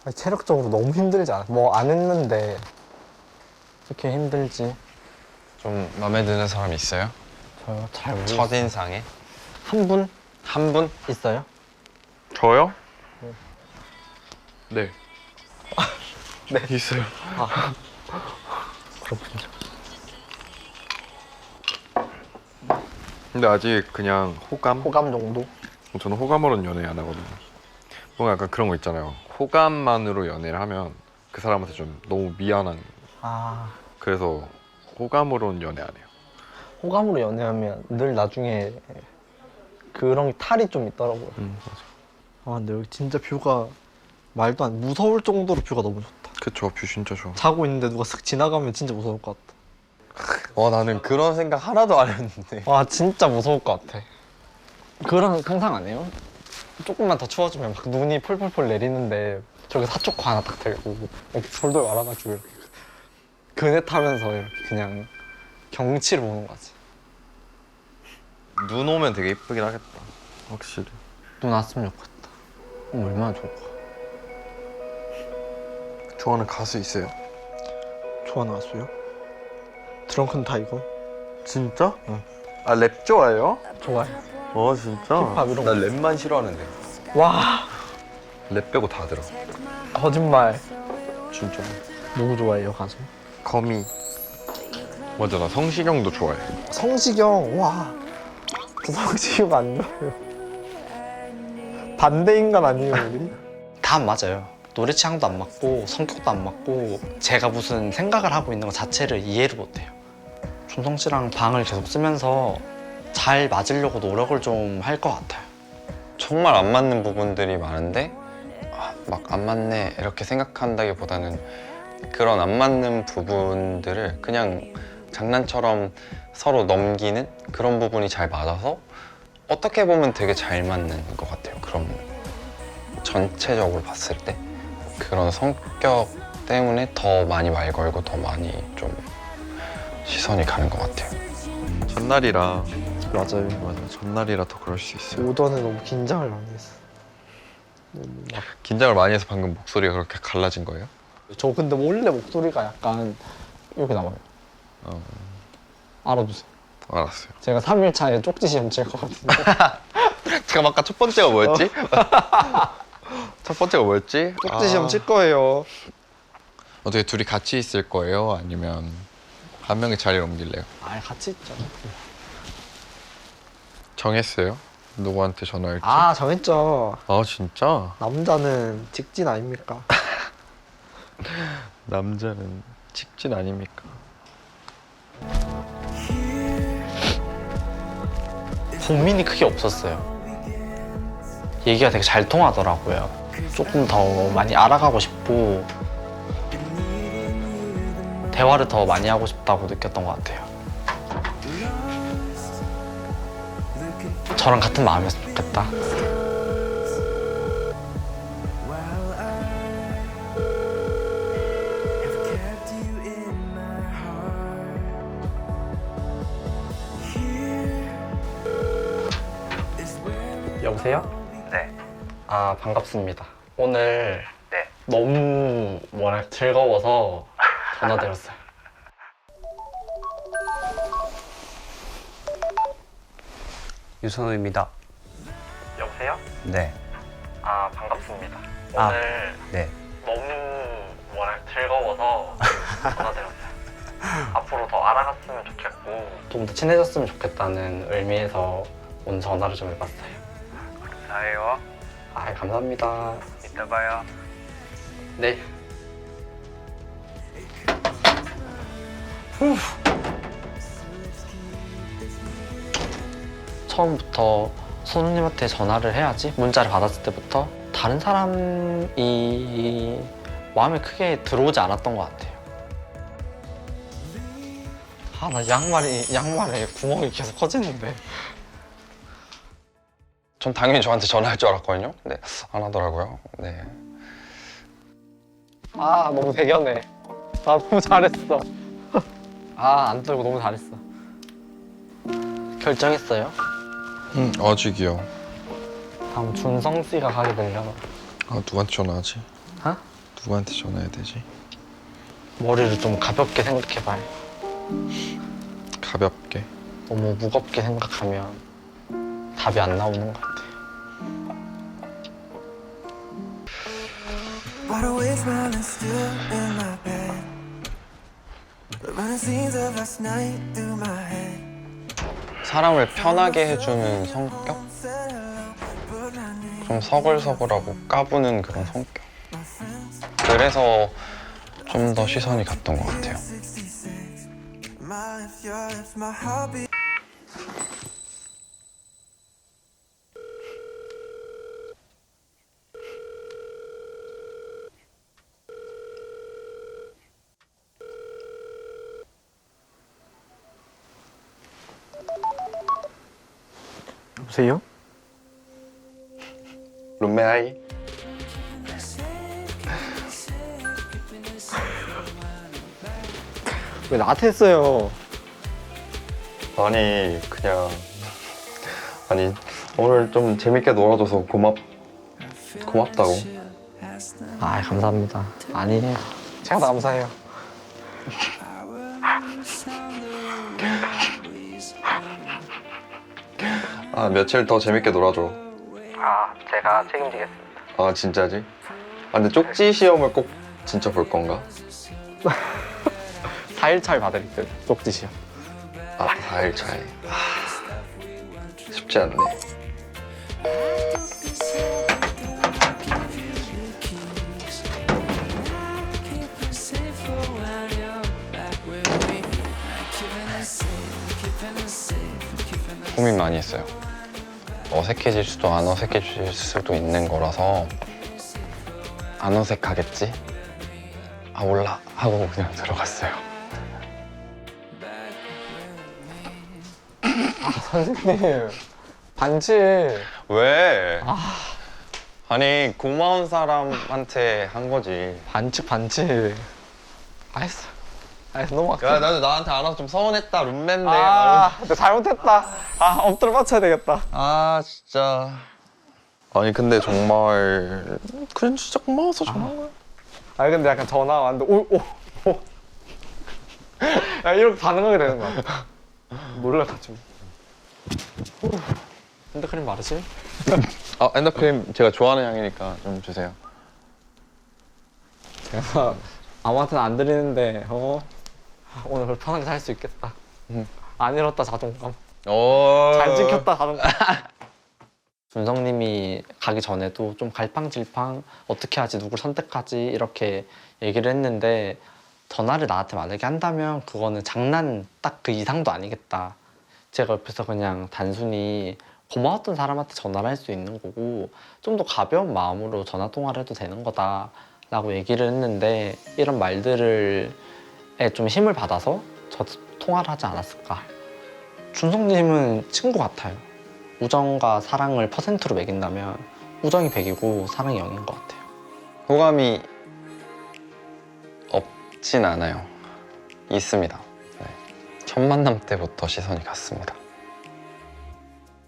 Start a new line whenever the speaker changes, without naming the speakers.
아니, 체력적으로 너무 힘들지 않아? 뭐 안 했는데 이렇게 힘들지?
좀 마음에 드는 사람 있어요?
저요? 잘 모르겠어요.
첫인상에?
한 분
한 분?
있어요?
저요? 네.
네.
있어요.
그렇군요.
근데 아직 그냥 호감?
호감 정도?
저는 호감으로는 연애 안 하거든요. 뭔가 약간 그런 거 있잖아요. 호감만으로 연애를 하면 그 사람한테 좀 너무 미안한.
아,
그래서 호감으로는 연애 안 해요.
호감으로 연애하면 늘 나중에 그런 게 탈이 좀 있더라고요.
맞아.
아, 근데 여기 진짜 뷰가 말도 안 무서울 정도로 뷰가 너무 좋다.
그쵸, 뷰 진짜 좋아.
자고 있는데 누가 슥 지나가면 진짜 무서울 것 같다.
나는 그런 생각 하나도 안 했는데.
와, 진짜 무서울 것 같아. 그런 상상 안 해요? 조금만 더 추워지면 막 눈이 폴폴폴 내리는데 저기 사초코 하나 딱 들고 이렇게 돌돌 말아가지고 이렇게 그네 타면서 이렇게 그냥 경치를 보는 거지.
눈 오면 되게 이쁘긴 하겠다. 확실히.
눈 왔으면 좋겠다. 얼마나 좋을까.
좋아하는 가수 있어요?
좋아하는 가수요? 드렁큰 타이거?
진짜?
응.
아, 랩 좋아해요?
좋아해.
진짜?
힙합 이런
나
거.
랩만 싫어하는데.
와,
랩 빼고 다 들어.
거짓말.
진짜.
누구 좋아해요, 가수?
거미. 맞아, 나 성시경도 좋아해.
성시경. 와, 저 성시경 안 좋아요. 반대 인간 아니에요, 우리? 다 안 맞아요. 노래 취향도 안 맞고 성격도 안 맞고 제가 무슨 생각을 하고 있는 것 자체를 이해를 못해요. 준성 씨랑 방을 계속 쓰면서 잘 맞으려고 노력을 좀 할 것 같아요.
정말 안 맞는 부분들이 많은데 막 안 맞네 이렇게 생각한다기보다는 그런 안 맞는 부분들을 그냥 장난처럼 서로 넘기는 그런 부분이 잘 맞아서 어떻게 보면 되게 잘 맞는 것 같아요. 그럼 전체적으로 봤을 때 그런 성격 때문에 더 많이 말 걸고 더 많이 좀 시선이 가는 것 같아요. 전날이라.
맞아요.
맞아, 전날이라 더 그럴 수 있어요.
오전에 너무 긴장을 많이 했어. 너무 막.
긴장을 많이 해서 방금 목소리가 그렇게 갈라진 거예요?
저 근데 원래 목소리가 약간 이렇게 나와요. 알아두세요.
알았어요.
제가 3일 차에 쪽지 시험 칠 거거든요.
잠깐 아까 첫 번째가 뭐였지? 첫 번째가 뭐였지?
쪽지 시험 칠 거예요.
어떻게 둘이 같이 있을 거예요? 아니면 한 명이 자리를 옮길래요?
아, 같이 있죠.
정했어요? 누구한테 전화할지?
아, 정했죠.
진짜?
남자는 직진 아닙니까?
남자는 직진 아닙니까?
고민이 크게 없었어요. 얘기가 되게 잘 통하더라고요. 조금 더 많이 알아가고 싶고 대화를 더 많이 하고 싶다고 느꼈던 것 같아요. 저랑 같은 마음이었으면 좋겠다. 여보세요?
네.
아, 반갑습니다. 오늘
네.
너무 즐거워서 전화드렸어요.
유선우입니다.
여보세요?
네.
아, 반갑습니다.
아,
오늘
네.
너무 즐거워서 전화드렸어요. 앞으로 더 알아갔으면 좋겠고 좀 더 친해졌으면 좋겠다는 의미에서 오늘 전화를 좀 해봤어요.
감사해요.
아, 감사합니다.
이따 봐요.
네. 처음부터 손님한테 전화를 해야지 문자를 받았을 때부터 다른 사람이 마음에 크게 들어오지 않았던 것 같아요. 아, 나 양말에 구멍이 계속 커지는데.
전 당연히 저한테 전화할 줄 알았거든요. 근데 안 하더라고요. 네.
아, 너무 대견해. 아, 너무 잘했어. 아, 안 떨고 너무 잘했어. 결정했어요?
아직이요.
다음 준성 씨가 가게 되려나?
누구한테 전화하지?
어?
누구한테 전화해야 되지?
머리를 좀 가볍게 생각해봐요.
가볍게.
너무 무겁게 생각하면 답이 안 나오는 것 같아요.
Wide awake, smiling still in my bed. Running scenes of last night through my head.
사람을 편하게 해주는 성격?
Said hello, but my name.
좀 서글서글하고 까부는 그런 성격. 그래서 좀 더 시선이 갔던 것 같아요.
66. My lips, your lips, my heartbeat.
여보세요?
룸메아이?
왜 나한테 했어요?
아니 그냥 아니 오늘 좀 재밌게 놀아줘서 고맙다고.
아, 감사합니다. 아니에요. 제가 더 감사해요.
아 며칠 더 재밌게 놀아줘.
아, 제가 책임지겠습니다.
아 진짜지? 아 근데 쪽지 시험을 꼭 진짜 볼 건가?
4일차에 받을게요. 쪽지시요.
아 4일 차에. 쉽지 않네. 고민 많이 했어요. 어색해질 수도 안 어색해질 수도 있는 거라서 안 어색하겠지? 아 몰라 하고 그냥 들어갔어요.
선생님, 반지.
왜? 아니 고마운 사람한테 한 거지.
반지. 알았어. 너무
야 나도 나한테 안 와서 좀 서운했다. 룸메인데.
근데 잘못했다. 엎드려 맞춰야 되겠다.
아 진짜. 아니 근데 정말 그냥 진짜 고마워서 전화한 거야.
근데 약간 전화 왔는데, 오. 야, 이렇게 반응하게 되는 거야. 놀라가지고. 핸드크림 마르지?
아 핸드크림 제가 좋아하는 향이니까 좀 주세요.
제가 아무한테나 안 드리는데, 오늘 그걸 편하게 살 수 있겠다. 안 잃었다, 자존감. 잘 지켰다, 자존감. 준성님이 가기 전에도 좀 갈팡질팡 어떻게 하지, 누굴 선택하지 이렇게 얘기를 했는데, 전화를 나한테 만약에 한다면 그거는 장난 딱 그 이상도 아니겠다. 제가 옆에서 그냥 단순히 고마웠던 사람한테 전화를 할 수 있는 거고 좀 더 가벼운 마음으로 전화 통화를 해도 되는 거다 라고 얘기를 했는데, 이런 말들에 좀 힘을 받아서 저도 통화를 하지 않았을까. 준성님은 친구 같아요. 우정과 사랑을 퍼센트로 매긴다면 우정이 100이고 사랑이 0인 것 같아요.
호감이 없진 않아요. 있습니다. 네. 첫 만남 때부터 시선이 갔습니다.